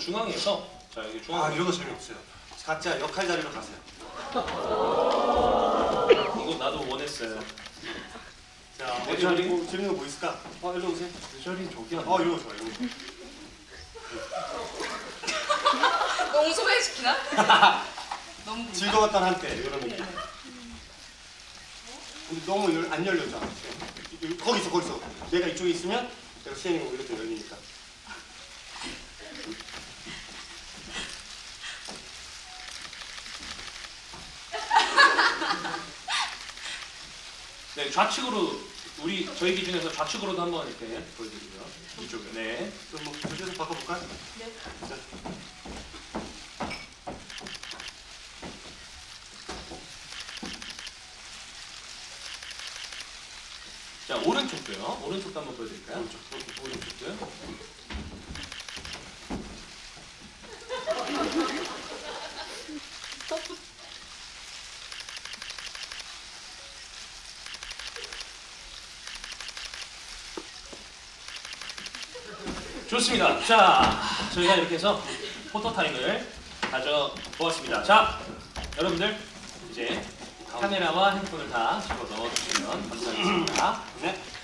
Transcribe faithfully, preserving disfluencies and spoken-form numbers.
중앙에서 자 여기 중앙. 아 이런 거 재미없어요. 각자 역할 자리로 가세요. 이거 나도 원했어요. 자 내 어디 자리? 뭐 재밌는 거 뭐 있을까? 어 일로 오세요. 내 자리 저기 아니야? 어 이런 거 좋아 이런 거. 너무 소외시키나? 너무 궁금해. 즐거웠던 한때 이런 느낌. 근데 너무 열- 안 열렸잖아. 여기, 거기 있어 거기 있어. 내가 이쪽에 있으면 내가 시행이 이렇게 열리니까. 네 좌측으로 우리 저희 기준에서 좌측으로도 한번 이렇게 보여드리고요. 이쪽에. 네. 그럼 뭐 저쪽에서 바꿔볼까? 네. 자. 자 오른쪽도요. 오른쪽도 한번 보여드릴까요? 오른쪽. 오른쪽도요. 좋습니다. 자, 저희가 이렇게 해서 포토 타임을 가져보았습니다. 자, 여러분들 이제 카메라와 핸드폰을 다 집어 넣어주시면 감사하겠습니다. 네.